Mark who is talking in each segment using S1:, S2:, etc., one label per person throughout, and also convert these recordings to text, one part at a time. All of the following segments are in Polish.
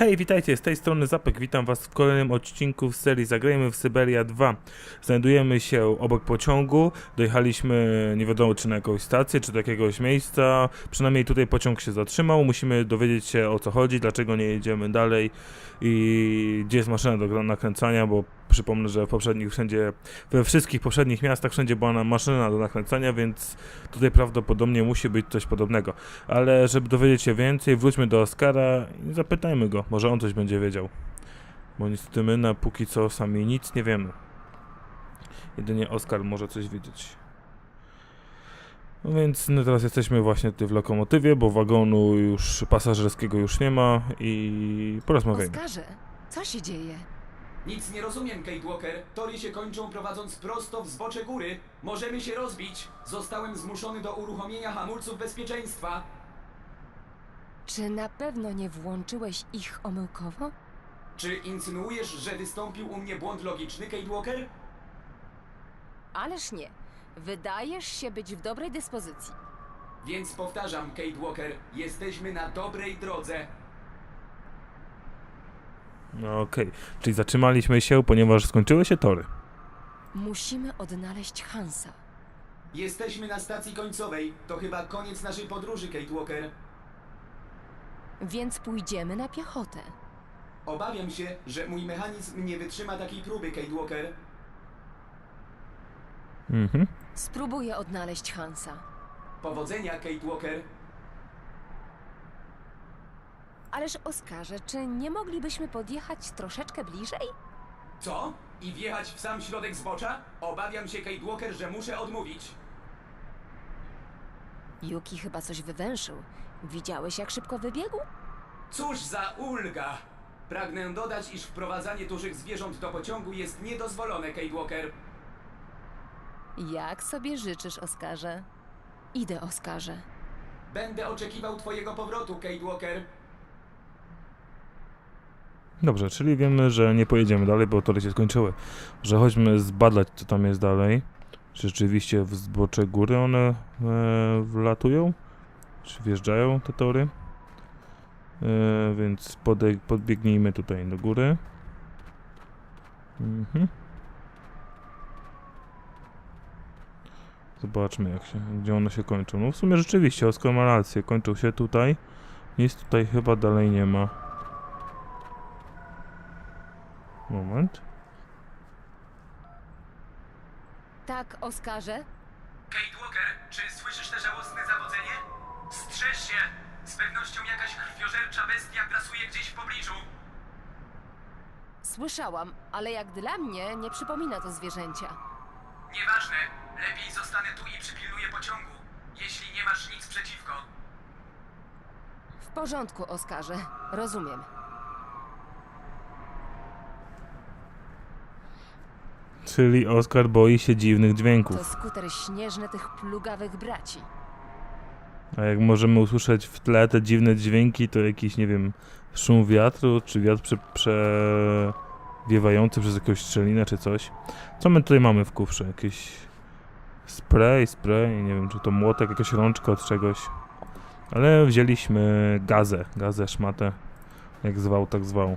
S1: Hej, witajcie, z tej strony Zapek, witam was w kolejnym odcinku z serii Zagrajmy w Syberia 2. Znajdujemy się obok pociągu, dojechaliśmy nie wiadomo czy na jakąś stację, czy do jakiegoś miejsca, przynajmniej tutaj pociąg się zatrzymał, musimy dowiedzieć się o co chodzi, dlaczego nie jedziemy dalej i gdzie jest maszyna do nakręcania, bo przypomnę, że we wszystkich poprzednich miastach wszędzie była maszyna do nakręcania, więc tutaj prawdopodobnie musi być coś podobnego. Ale żeby dowiedzieć się więcej, wróćmy do Oskara i zapytajmy go, może on coś będzie wiedział. Bo niestety my na póki co sami nic nie wiemy. Jedynie Oskar może coś wiedzieć. No więc no teraz jesteśmy właśnie tutaj w lokomotywie, bo wagonu już pasażerskiego już nie ma i porozmawiajmy.
S2: Oskarze, co się dzieje?
S3: Nic nie rozumiem, Kate Walker. Tory się kończą prowadząc prosto w zbocze góry. Możemy się rozbić. Zostałem zmuszony do uruchomienia hamulców bezpieczeństwa.
S2: Czy na pewno nie włączyłeś ich omyłkowo?
S3: Czy insynuujesz, że wystąpił u mnie błąd logiczny, Kate Walker?
S2: Ależ nie. Wydajesz się być w dobrej dyspozycji.
S3: Więc powtarzam, Kate Walker, jesteśmy na dobrej drodze.
S1: No okej, czyli zatrzymaliśmy się, ponieważ skończyły się tory.
S2: Musimy odnaleźć Hansa.
S3: Jesteśmy na stacji końcowej. To chyba koniec naszej podróży, Kate Walker.
S2: Więc pójdziemy na piechotę.
S3: Obawiam się, że mój mechanizm nie wytrzyma takiej próby, Kate Walker.
S2: Spróbuję odnaleźć Hansa.
S3: Powodzenia, Kate Walker.
S2: Ależ Oskarze, czy nie moglibyśmy podjechać troszeczkę bliżej?
S3: Co? I wjechać w sam środek zbocza? Obawiam się, Kate Walker, że muszę odmówić.
S2: Yuki chyba coś wywęszył. Widziałeś, jak szybko wybiegł?
S3: Cóż za ulga! Pragnę dodać, iż wprowadzanie dużych zwierząt do pociągu jest niedozwolone, Kate Walker.
S2: Jak sobie życzysz, Oskarze? Idę, Oskarze.
S3: Będę oczekiwał twojego powrotu, Kate Walker.
S1: Dobrze, czyli wiemy, że nie pojedziemy dalej, bo tory się skończyły. Że chodźmy zbadać, co tam jest dalej. Czy rzeczywiście w zbocze góry one wlatują? Czy wjeżdżają te tory? Więc podbiegnijmy tutaj do góry. Zobaczmy, gdzie one się kończą. No w sumie rzeczywiście, Oskar ma rację. Kończą się tutaj. Nic tutaj chyba dalej nie ma. Moment.
S2: Tak, Oskarze?
S3: Kate Walker, czy słyszysz te żałosne zawodzenie? Strzeż się! Z pewnością jakaś krwiożercza bestia grasuje gdzieś w pobliżu.
S2: Słyszałam, ale jak dla mnie nie przypomina to zwierzęcia.
S3: Nieważne. Lepiej zostanę tu i przypilnuję pociągu. Jeśli nie masz nic przeciwko.
S2: W porządku, Oskarze. Rozumiem.
S1: Czyli Oskar boi się dziwnych
S2: To
S1: dźwięków.
S2: skuter śnieżny tych plugawych braci.
S1: A jak możemy usłyszeć w tle te dziwne dźwięki, to jakiś, nie wiem, szum wiatru, czy wiatr przewiewający przez jakąś szczelinę, czy coś. Co my tutaj mamy w kufrze? Jakiś spray, nie wiem, czy to młotek, jakaś rączka od czegoś. Ale wzięliśmy gazę, szmatę, jak zwał, tak zwał.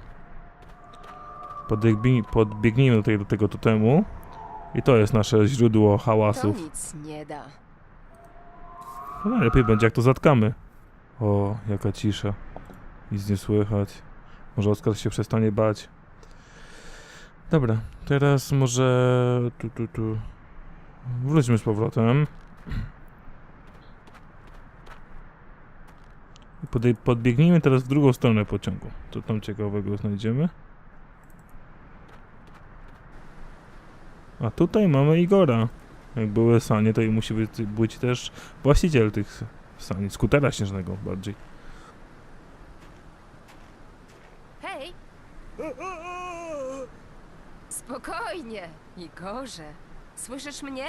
S1: Podbiegnijmy do tego totemu i to jest nasze źródło
S2: To
S1: hałasów.
S2: nic nie da.
S1: No najlepiej będzie, jak to zatkamy. O, jaka cisza. Nic nie słychać. Może Oskar się przestanie bać. Dobra, teraz może... Tu. Wróćmy z powrotem. Podbiegnijmy teraz w drugą stronę pociągu. Co tam ciekawego znajdziemy? A tutaj mamy Igora. Jak były sanie, to i musi być też właściciel tych sani, skutera śnieżnego bardziej.
S2: Hej! Spokojnie, Igorze. Słyszysz mnie?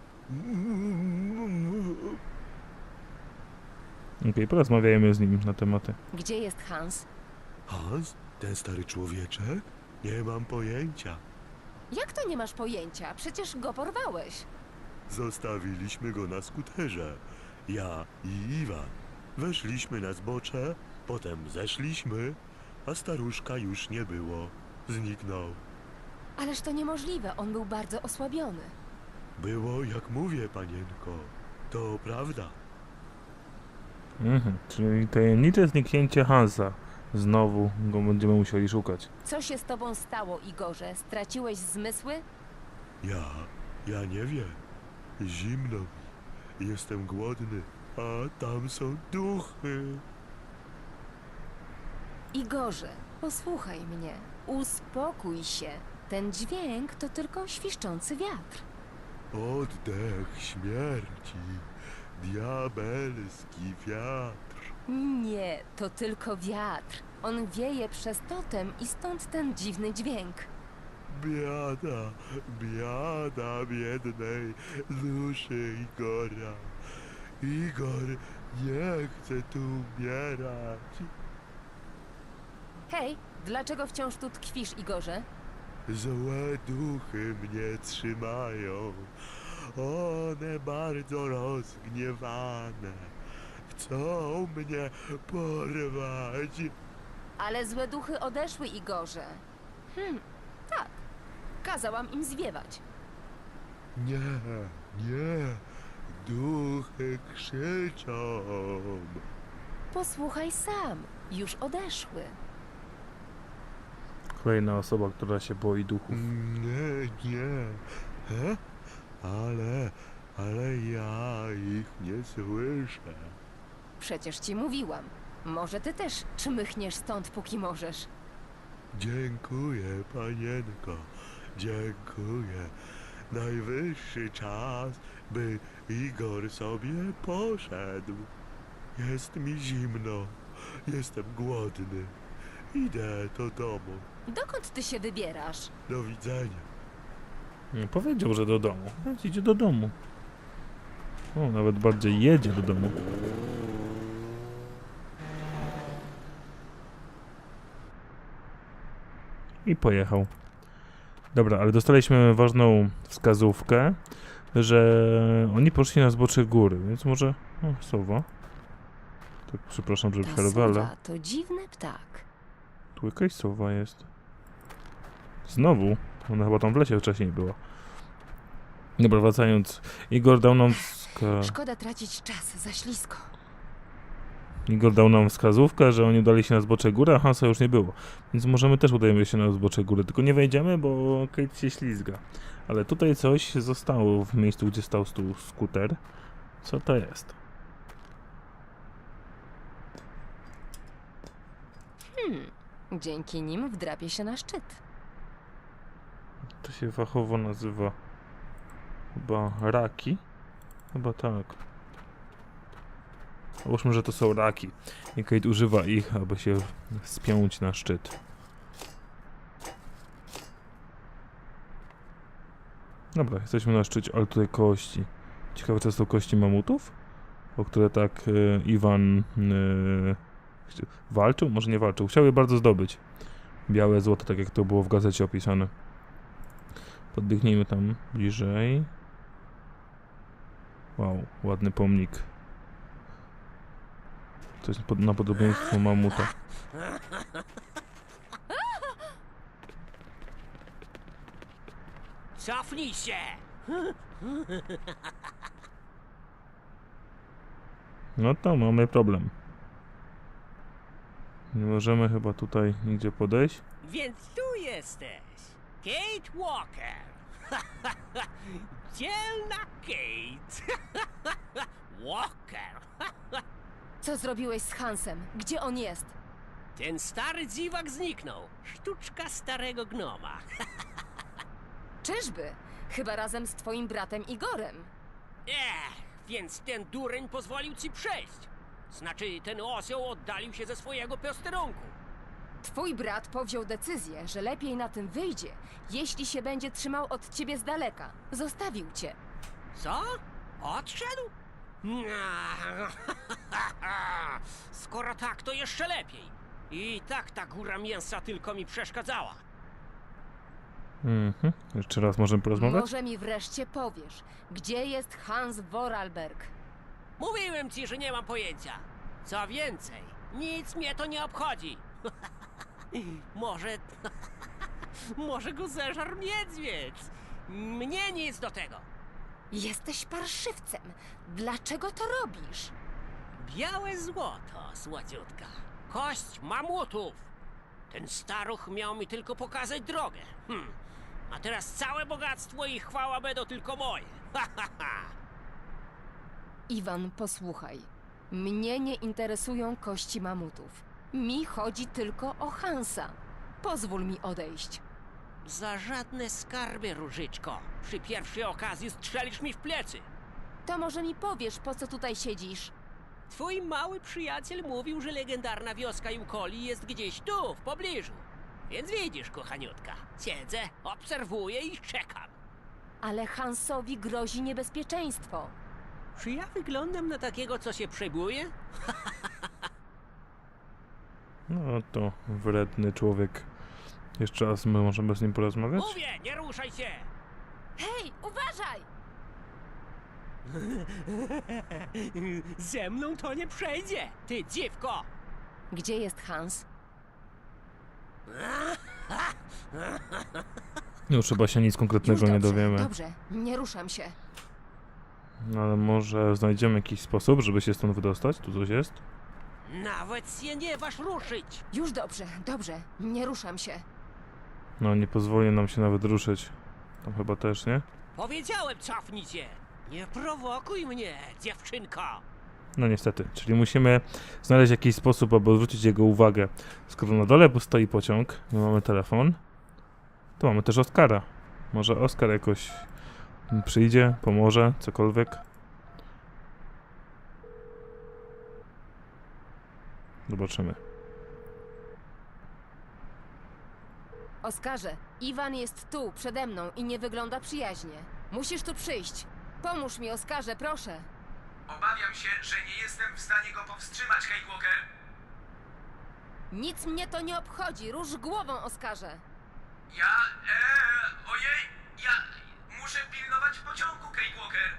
S1: Okej, porozmawiajmy z nim na tematy.
S2: Gdzie jest Hans?
S4: Hans? Ten stary człowieczek? Nie mam pojęcia.
S2: Jak to nie masz pojęcia? Przecież go porwałeś.
S4: Zostawiliśmy go na skuterze. Ja i Iwan. Weszliśmy na zbocze, potem zeszliśmy a staruszka już nie było. Zniknął.
S2: Ależ to niemożliwe, on był bardzo osłabiony.
S4: Było jak mówię, panienko. To prawda.
S1: Czyli tajemnicze zniknięcie Hansa. Znowu go będziemy musieli szukać.
S2: Co się z tobą stało, Igorze? Straciłeś zmysły?
S4: Ja nie wiem. Zimno mi. Jestem głodny, a tam są duchy.
S2: Igorze, posłuchaj mnie. Uspokój się. Ten dźwięk to tylko świszczący wiatr.
S4: Oddech śmierci. Diabelski wiatr.
S2: Nie, to tylko wiatr. On wieje przez totem i stąd ten dziwny dźwięk.
S4: Biada, biada biednej duszy Igora. Igor nie chce tu umierać.
S2: Hej, dlaczego wciąż tu tkwisz, Igorze?
S4: Złe duchy mnie trzymają. One bardzo rozgniewane. Chcą mnie porwać.
S2: Ale złe duchy odeszły, Igorze. Tak. Kazałam im zwiewać.
S4: Nie, nie. Duchy krzyczą.
S2: Posłuchaj sam. Już odeszły.
S1: Kolejna osoba, która się boi duchów.
S4: Nie, nie. Ale ja ich nie słyszę.
S2: Przecież ci mówiłam. Może ty też czmychniesz stąd, póki możesz.
S4: Dziękuję, panienko. Dziękuję. Najwyższy czas, by Igor sobie poszedł. Jest mi zimno. Jestem głodny. Idę do domu.
S2: Dokąd ty się wybierasz?
S4: Do widzenia.
S1: Nie powiedział, że do domu. Więc idzie do domu. O, nawet bardziej jedzie do domu. I pojechał. Dobra, ale dostaliśmy ważną wskazówkę, że oni poszli na zbocze góry, więc może... O, sowa. Tak, przepraszam, że
S2: Ta
S1: przerwę, ale...
S2: sowa to dziwny ptak.
S1: Tu jakaś sowa jest. Znowu? Ona chyba tam w lesie wcześniej była. Dobra, wracając. Igor dał nam
S2: Szkoda tracić czas, za ślisko.
S1: Igor dał nam wskazówkę, że oni udali się na zbocze góry, a Hansa już nie było. Więc możemy też udajemy się na zbocze góry. Tylko nie wejdziemy, bo Kate się ślizga. Ale tutaj coś zostało w miejscu, gdzie stał skuter. Co to jest?
S2: Dzięki nim wdrapie się na szczyt.
S1: To się fachowo nazywa chyba raki? Chyba tak. Załóżmy, że to są raki. I Kate używa ich, aby się spiąć na szczyt. Dobra, jesteśmy na szczycie, ale tutaj kości. Ciekawe, czy to są kości mamutów? O które tak Iwan walczył? Może nie walczył. Chciał je bardzo zdobyć. Białe złoto, tak jak to było w gazecie opisane. Podbiegnijmy tam bliżej. Wow, ładny pomnik. To jest na podobieństwo mamuta.
S5: Cofnij się!
S1: No to mamy problem. Nie możemy chyba tutaj nigdzie podejść.
S5: Więc tu jesteś! Kate Walker! Dzielna Kate! Walker!
S2: Co zrobiłeś z Hansem? Gdzie on jest?
S5: Ten stary dziwak zniknął. Sztuczka starego gnoma.
S2: Czyżby? Chyba razem z twoim bratem Igorem.
S5: Więc ten dureń pozwolił ci przejść. Znaczy, ten osioł oddalił się ze swojego posterunku.
S2: Twój brat powziął decyzję, że lepiej na tym wyjdzie, jeśli się będzie trzymał od ciebie z daleka. Zostawił cię.
S5: Co? Odszedł? Skoro tak, to jeszcze lepiej. I tak ta góra mięsa tylko mi przeszkadzała.
S1: Jeszcze raz możemy porozmawiać?
S2: Może mi wreszcie powiesz, gdzie jest Hans Vorarlberg?
S5: Mówiłem ci, że nie mam pojęcia. Co więcej, nic mnie to nie obchodzi. Może... Może go zeżarł niedźwiedź. Mnie nic do tego.
S2: Jesteś parszywcem. Dlaczego to robisz?
S5: Białe złoto, słodziutka. Kość mamutów. Ten staruch miał mi tylko pokazać drogę. A teraz całe bogactwo i chwała będą tylko moje. Ha, ha, ha.
S2: Iwan, posłuchaj. Mnie nie interesują kości mamutów. Mi chodzi tylko o Hansa. Pozwól mi odejść.
S5: Za żadne skarby, Różyczko. Przy pierwszej okazji strzelisz mi w plecy.
S2: To może mi powiesz, po co tutaj siedzisz?
S5: Twój mały przyjaciel mówił, że legendarna wioska Jukoli jest gdzieś tu, w pobliżu. Więc widzisz, kochaniutka, siedzę, obserwuję i czekam.
S2: Ale Hansowi grozi niebezpieczeństwo.
S5: Czy ja wyglądam na takiego, co się przejmuje?
S1: No to wredny człowiek. Jeszcze raz my możemy z nim porozmawiać?
S5: Mówię, nie ruszaj się!
S2: Hej, uważaj!
S5: Ze mną to nie przejdzie, ty dziwko!
S2: Gdzie jest Hans?
S1: Już chyba się nic konkretnego
S2: Już
S1: nie
S2: dobrze,
S1: dowiemy.
S2: Dobrze, nie ruszam się.
S1: No ale może znajdziemy jakiś sposób, żeby się stąd wydostać? Tu coś jest?
S5: Nawet się nie waż ruszyć!
S2: Już dobrze, dobrze, nie ruszam się.
S1: No nie pozwoli nam się nawet ruszyć. Tam chyba też, nie?
S5: Powiedziałem, cofnij się! Nie prowokuj mnie, dziewczynko!
S1: No niestety, czyli musimy znaleźć jakiś sposób, aby odwrócić jego uwagę. Skoro na dole stoi pociąg, my mamy telefon, to mamy też Oskara. Może Oskar jakoś przyjdzie, pomoże, cokolwiek. Zobaczymy.
S2: Oskarze, Iwan jest tu, przede mną i nie wygląda przyjaźnie. Musisz tu przyjść. Pomóż mi, Oskarze, proszę.
S3: Obawiam się, że nie jestem w stanie go powstrzymać, Kate Walker.
S2: Nic mnie to nie obchodzi, rusz głową, Oskarze.
S3: Ja muszę pilnować pociągu, Kate Walker.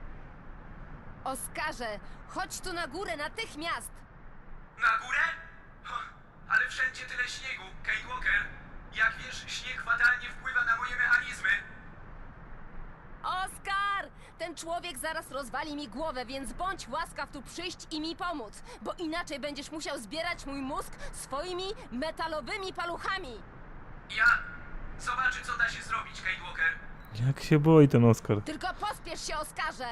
S2: Oskarze, chodź tu na górę natychmiast!
S3: Na górę? Ale wszędzie tyle śniegu, Kate Walker. Jak wiesz, śnieg fatalnie wpływa na moje mechanizmy.
S2: Oskar! Ten człowiek zaraz rozwali mi głowę, więc bądź łaskaw tu przyjść i mi pomóc, bo inaczej będziesz musiał zbierać mój mózg swoimi metalowymi paluchami!
S3: Ja zobaczę, co da się zrobić, Kate Walker.
S1: Jak się boi ten Oskar?
S2: Tylko pospiesz się, Oskarze!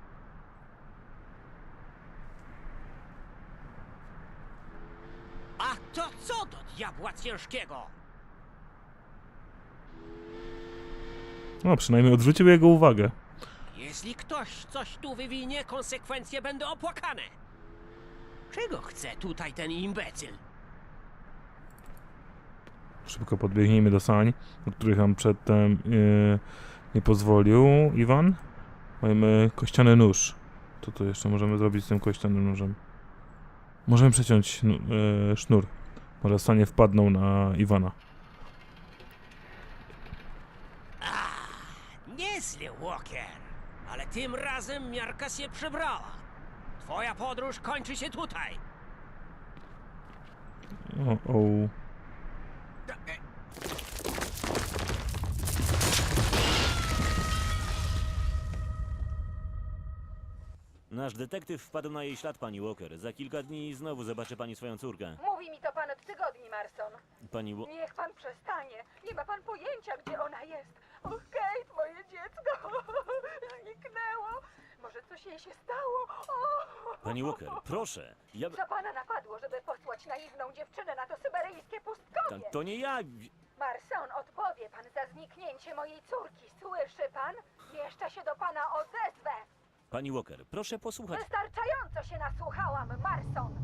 S5: A to co do diabła ciężkiego?
S1: No przynajmniej odwrócił jego uwagę.
S5: Jeśli ktoś coś tu wywinie, konsekwencje będą opłakane. Czego chce tutaj ten imbecyl?
S1: Szybko podbiegnijmy do sań, do których nam przedtem nie pozwolił Iwan. Mamy kościany nóż. Co tu jeszcze możemy zrobić z tym kościanym nożem? Możemy przeciąć sznur. Może sanie wpadną na Iwana.
S5: Nieźle, Walker. Ale tym razem miarka się przebrała. Twoja podróż kończy się tutaj.
S1: O.
S6: Nasz detektyw wpadł na jej ślad, pani Walker. Za kilka dni znowu zobaczy pani swoją córkę.
S7: Mówi mi to pan od tygodni, Marson.
S6: Pani
S7: Niech pan przestanie. Nie ma pan pojęcia, gdzie ona jest. Och, Kate, moje dziecko. Zniknęło. Może coś jej się stało. O!
S6: Pani Walker, proszę.
S7: Co pana napadło, żeby posłać naiwną dziewczynę na to syberyjskie pustkowie?
S6: To nie ja.
S7: Marson, odpowie pan za zniknięcie mojej córki. Słyszy pan? Jeszcze się do pana odezwę.
S6: Pani Walker, proszę posłuchać.
S7: Wystarczająco się nasłuchałam, Marson.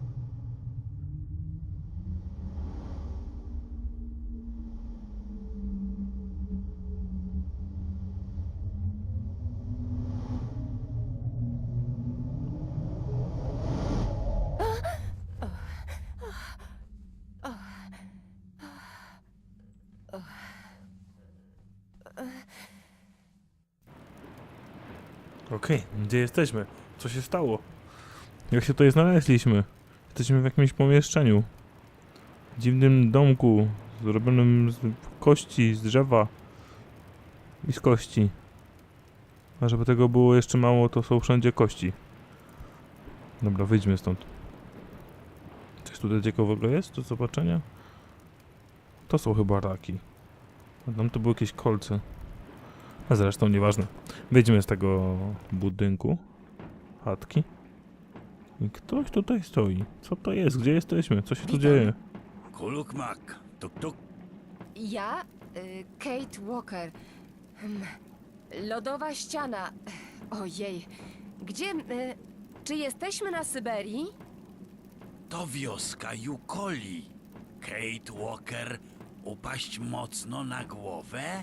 S1: Okej, gdzie jesteśmy? Co się stało? Jak się tutaj znaleźliśmy? Jesteśmy w jakimś pomieszczeniu. dziwnym domku zrobionym z kości, z drzewa i z kości. A żeby tego było jeszcze mało, to są wszędzie kości. Dobra, wyjdźmy stąd. Coś tutaj ciekawego jest do zobaczenia? To są chyba raki. A tam to były jakieś kolce. A zresztą nieważne. Wyjdźmy z tego budynku. Chatki. I ktoś tutaj stoi. Co to jest? Gdzie jesteśmy? Co się tu
S2: Witam.
S1: dzieje?
S8: Kulukmak, tuk-tuk.
S2: Ja? Kate Walker. Lodowa ściana. Ojej. Gdzie... czy jesteśmy na Syberii?
S8: To wioska Yukoli. Kate Walker, upaść mocno na głowę?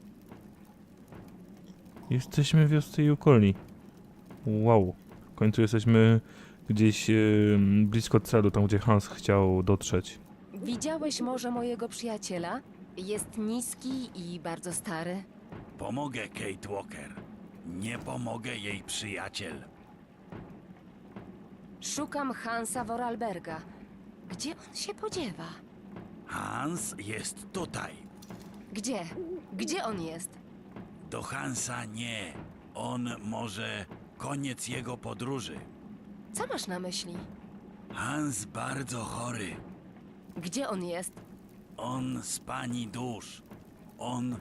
S1: Jesteśmy w wiosce Yukoli. Wow. W końcu jesteśmy gdzieś blisko celu, tam gdzie Hans chciał dotrzeć.
S2: Widziałeś może mojego przyjaciela? Jest niski i bardzo stary.
S8: Pomogę Kate Walker. Nie pomogę jej przyjaciel.
S2: Szukam Hansa Vorarlberga. Gdzie on się podziewa?
S8: Hans jest tutaj.
S2: Gdzie? Gdzie on jest?
S8: Do Hansa nie. On może koniec jego podróży.
S2: Co masz na myśli?
S8: Hans bardzo chory.
S2: Gdzie on jest?
S8: On z pani dusz. On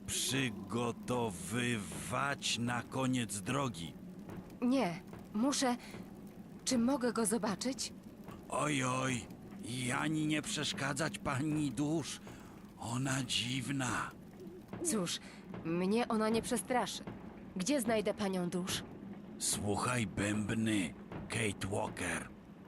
S8: przygotowywać na koniec drogi.
S2: Nie, muszę... Czy mogę go zobaczyć?
S8: Oj, oj, i ani nie przeszkadzać pani dusz. Ona dziwna.
S2: Cóż, mnie ona nie przestraszy. Gdzie znajdę panią dusz?
S8: Słuchaj bębny, Kate Walker.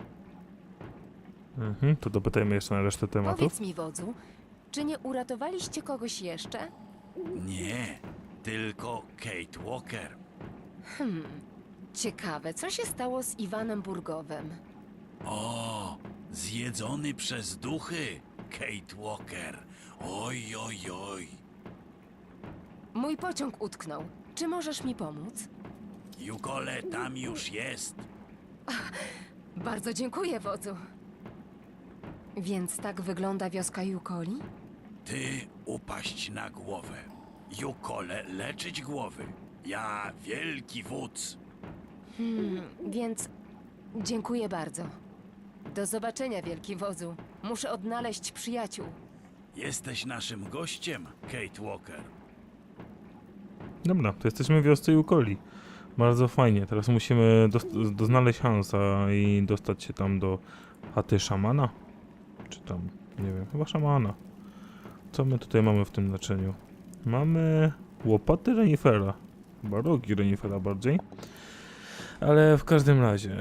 S1: To dopytajmy jeszcze na resztę tematów.
S2: Powiedz mi, wodzu, czy nie uratowaliście kogoś jeszcze?
S8: Nie, tylko Kate Walker.
S2: Ciekawe, co się stało z Iwanem Burgowem?
S8: O, zjedzony przez duchy, Kate Walker. Oj, oj, oj.
S2: Mój pociąg utknął. Czy możesz mi pomóc?
S8: Yukole tam już jest.
S2: Bardzo dziękuję, wodzu. Więc tak wygląda wioska Yukoli?
S8: Ty upaść na głowę. Yukole leczyć głowy. Ja wielki wódz.
S2: Więc dziękuję bardzo. Do zobaczenia, wielki wodzu. Muszę odnaleźć przyjaciół.
S8: Jesteś naszym gościem, Kate Walker.
S1: Dobra, to jesteśmy w wiosce Yukoli. Bardzo fajnie. Teraz musimy znaleźć Hansa i dostać się tam do chaty szamana. Czy tam, nie wiem, chyba szamana. Co my tutaj mamy w tym naczyniu? Mamy łopaty renifera. Chyba rogi renifera bardziej. Ale w każdym razie.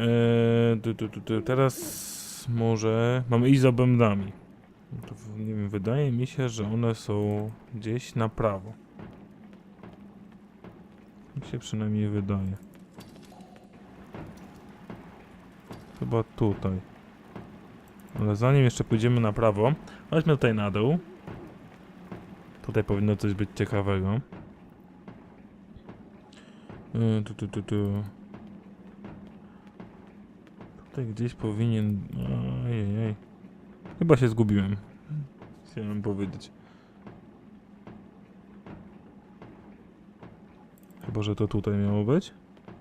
S1: Teraz może mamy iść za bębnami. To, nie wiem, wydaje mi się, że one są gdzieś na prawo. Mi się przynajmniej wydaje. Chyba tutaj. Ale zanim jeszcze pójdziemy na prawo, chodźmy tutaj na dół. Tutaj powinno coś być ciekawego. Tutaj gdzieś powinien... Ojej. Chyba się zgubiłem. Chciałem powiedzieć. Chyba, że to tutaj miało być.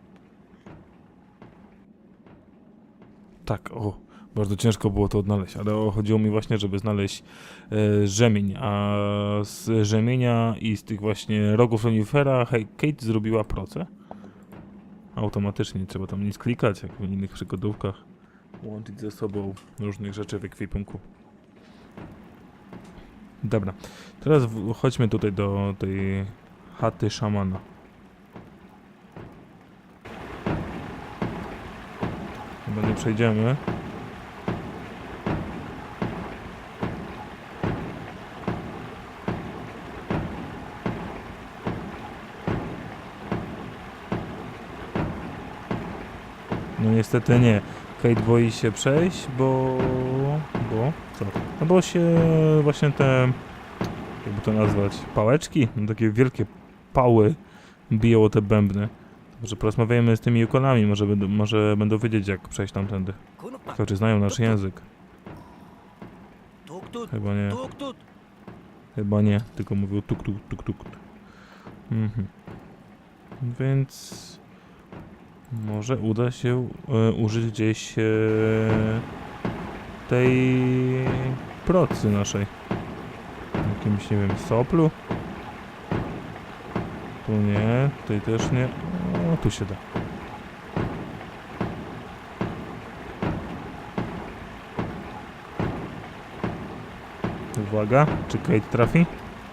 S1: Tak, o. Bardzo ciężko było to odnaleźć, ale chodziło mi właśnie, żeby znaleźć rzemień, a z rzemienia i z tych właśnie rogów renifera Kate zrobiła proce. Automatycznie, nie trzeba tam nic klikać, jak w innych przygodówkach. Łączyć ze sobą różnych rzeczy w ekwipunku. Dobra, teraz chodźmy tutaj do tej chaty szamana. Chyba nie przejdziemy. No niestety nie. Kate boi się przejść, bo co? No bo się właśnie te, jakby to nazwać, pałeczki, no takie wielkie pały biją o te bębny. Może porozmawiajmy z tymi Yukolami, może będą wiedzieć, jak przejść tamtędy.
S5: Kulukmak,
S1: Ciekawe, czy znają nasz język.
S5: tuk Tuk-tut,
S1: Chyba nie.
S5: tuk-tut.
S1: Chyba nie, tylko mówił tuk tuk tuk tuk. Mhm. Więc może uda się użyć gdzieś tej procy naszej. Jakimś, nie wiem, soplu. Tu nie, tutaj też nie. O, tu się da. Uwaga, czy Kate trafi?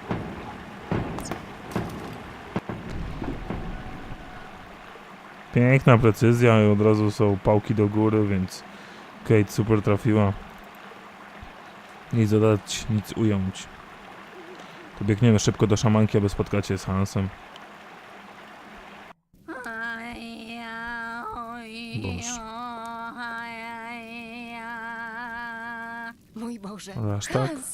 S1: Piękna precyzja i od razu są pałki do góry, więc Kate super trafiła. Nic dodać, nic ująć. To biegniemy szybko do szamanki, aby spotkać się z Hansem. Boże.
S2: Mój Boże.
S1: Ale aż tak?
S2: Hans!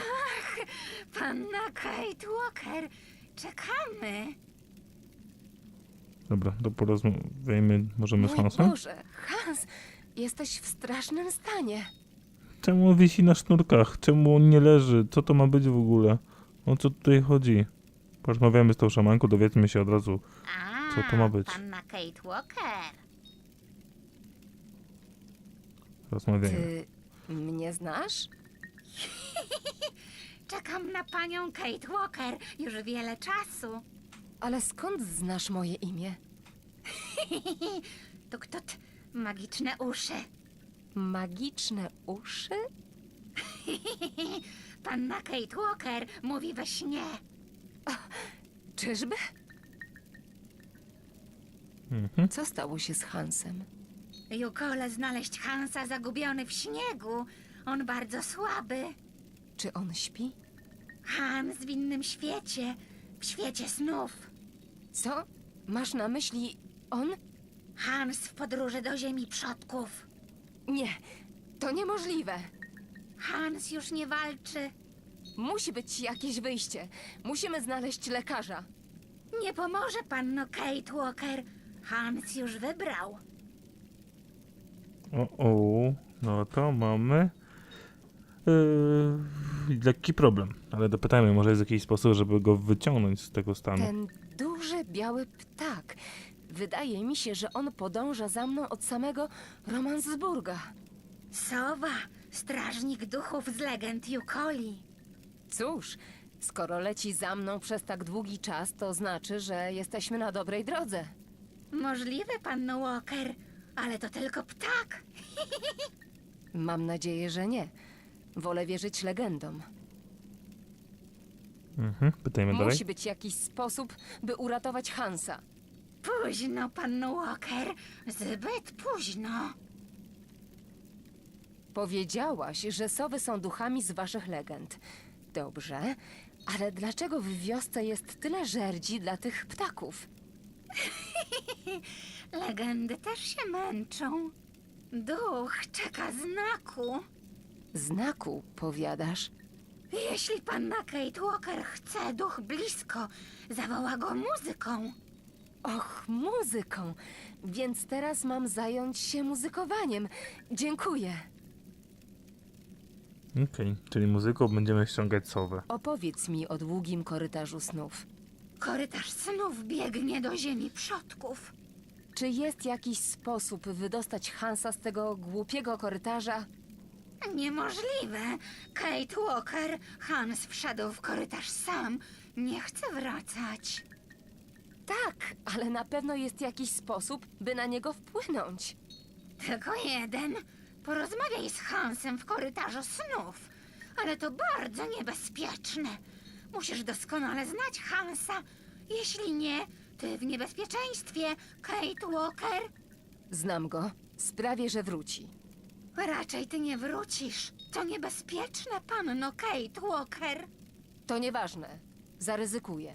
S7: Panna Kate Walker, czekamy.
S1: Dobra, to porozmawiajmy możemy z
S2: Mój
S1: Hansem?
S2: Boże, Hans! Jesteś w strasznym stanie.
S1: Czemu on wisi na sznurkach? Czemu on nie leży? Co to ma być w ogóle? O co tutaj chodzi? Porozmawiamy z tą szamanką, dowiedzmy się od razu, co to ma być.
S7: Panna Kate Walker.
S1: Rozmawiajmy.
S2: Ty mnie znasz?
S7: Czekam na panią Kate Walker już wiele czasu.
S2: Ale skąd znasz moje imię?
S7: Tuk-tut, magiczne uszy.
S2: Magiczne uszy?
S7: Panna Kate Walker mówi we śnie.
S2: Czyżby?
S1: Mhm.
S2: Co stało się z Hansem?
S7: Jukole znaleźć Hansa zagubiony w śniegu. On bardzo słaby.
S2: Czy on śpi?
S7: Hans w innym świecie. W świecie snów.
S2: Co? Masz na myśli on?
S7: Hans w podróży do ziemi przodków.
S2: Nie, to niemożliwe.
S7: Hans już nie walczy.
S2: Musi być jakieś wyjście. Musimy znaleźć lekarza.
S7: Nie pomoże panno Kate Walker. Hans już wybrał.
S1: O, no to mamy lekki problem, ale dopytajmy, może jest jakiś sposób, żeby go wyciągnąć z tego stanu.
S2: Ten duży biały ptak. Wydaje mi się, że on podąża za mną od samego Romansburga.
S7: Sowa, strażnik duchów z legend Jukoli.
S2: Cóż, skoro leci za mną przez tak długi czas, to znaczy, że jesteśmy na dobrej drodze.
S7: Możliwe, panno Walker, ale to tylko ptak.
S2: Mam nadzieję, że nie. Wolę wierzyć legendom.
S1: Mhm, pytajmy dalej.
S2: Musi być jakiś sposób, by uratować Hansa.
S7: Późno, panno Walker, zbyt późno.
S2: Powiedziałaś, że sowy są duchami z waszych legend. Dobrze, ale dlaczego w wiosce jest tyle żerdzi dla tych ptaków?
S7: Legendy też się męczą. Duch czeka znaku.
S2: Znaku, powiadasz?
S7: Jeśli panna Kate Walker chce duch blisko, zawoła go muzyką.
S2: Och, muzyką. Więc teraz mam zająć się muzykowaniem. Dziękuję.
S1: Okej, czyli muzyką będziemy ściągać sowę.
S2: Opowiedz mi o długim korytarzu snów.
S7: Korytarz snów biegnie do ziemi przodków.
S2: Czy jest jakiś sposób wydostać Hansa z tego głupiego korytarza?
S7: Niemożliwe. Kate Walker, Hans wszedł w korytarz sam. Nie chce wracać.
S2: Tak, ale na pewno jest jakiś sposób, by na niego wpłynąć.
S7: Tylko jeden. Porozmawiaj z Hansem w korytarzu snów. Ale to bardzo niebezpieczne. Musisz doskonale znać Hansa. Jeśli nie, ty w niebezpieczeństwie, Kate Walker.
S2: Znam go. Sprawię, że wróci.
S7: Raczej ty nie wrócisz. To niebezpieczne, panno Kate Walker.
S2: To nieważne. Zaryzykuję.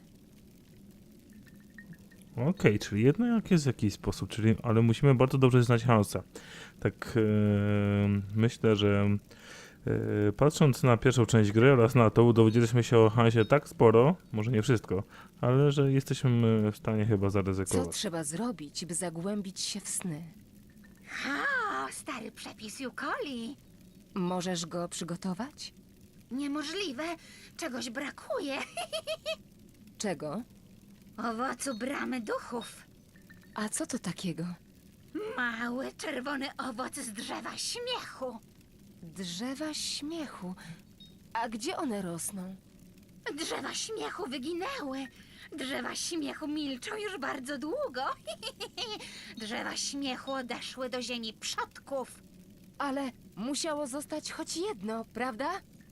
S1: Okej, czyli jednak jest jakiś sposób, ale musimy bardzo dobrze znać Hansa. Tak myślę, że patrząc na pierwszą część gry oraz na to, dowiedzieliśmy się o Hansie tak sporo, może nie wszystko, ale że jesteśmy w stanie chyba
S2: Co
S1: zaryzykować.
S2: trzeba zrobić, by zagłębić się w sny?
S7: Ha, stary przepis Jukoli.
S2: Możesz go przygotować?
S7: Niemożliwe. Czegoś brakuje.
S2: Czego?
S7: Owocu bramy duchów.
S2: A co to takiego?
S7: Mały, czerwony owoc z drzewa śmiechu.
S2: Drzewa śmiechu. A gdzie one rosną?
S7: Drzewa śmiechu wyginęły. Drzewa śmiechu milczą już bardzo długo. Drzewa śmiechu odeszły do ziemi przodków.
S2: Ale musiało zostać choć jedno, prawda?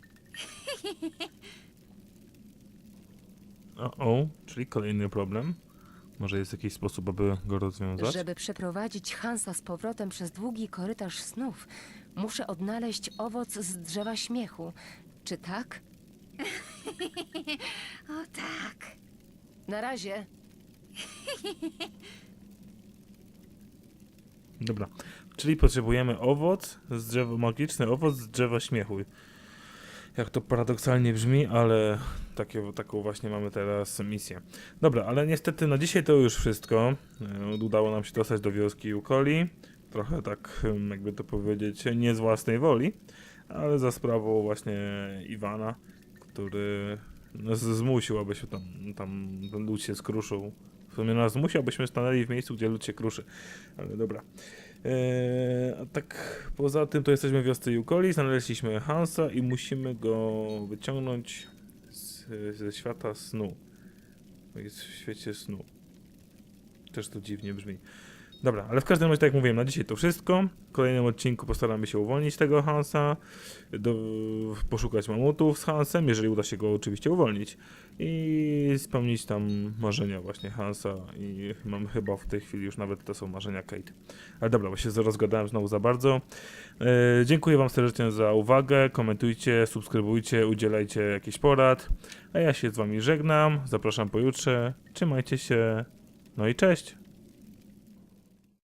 S1: O, czyli kolejny problem. Może jest jakiś sposób, aby go rozwiązać?
S2: Żeby przeprowadzić Hansa z powrotem przez długi korytarz snów, muszę odnaleźć owoc z drzewa śmiechu. Czy tak?
S7: O tak.
S2: Na razie.
S1: Dobra, czyli potrzebujemy magiczny owoc z drzewa śmiechu. Jak to paradoksalnie brzmi, ale taką właśnie mamy teraz misję. Dobra, ale niestety na dzisiaj to już wszystko. Udało nam się dostać do wioski Yukoli. Trochę tak, jakby to powiedzieć, nie z własnej woli, ale za sprawą właśnie Iwana, który nas zmusił, aby się tam ten lud się skruszył. W sumie nas zmusił, abyśmy stanęli w miejscu, gdzie lud się kruszy. Ale dobra. A tak poza tym to jesteśmy w wiosce Yukoli, znaleźliśmy Hansa i musimy go wyciągnąć ze świata snu. Jest w świecie snu. Też to dziwnie brzmi. Dobra, ale w każdym razie, tak jak mówiłem, na dzisiaj to wszystko. W kolejnym odcinku postaramy się uwolnić tego Hansa, poszukać mamutów z Hansem, jeżeli uda się go oczywiście uwolnić, i spełnić tam marzenia właśnie Hansa. I mam chyba w tej chwili już nawet to są marzenia Kate. Ale dobra, bo się rozgadałem znowu za bardzo. Dziękuję wam serdecznie za uwagę, komentujcie, subskrybujcie, udzielajcie jakichś porad, a ja się z wami żegnam, zapraszam pojutrze, trzymajcie się, no i cześć!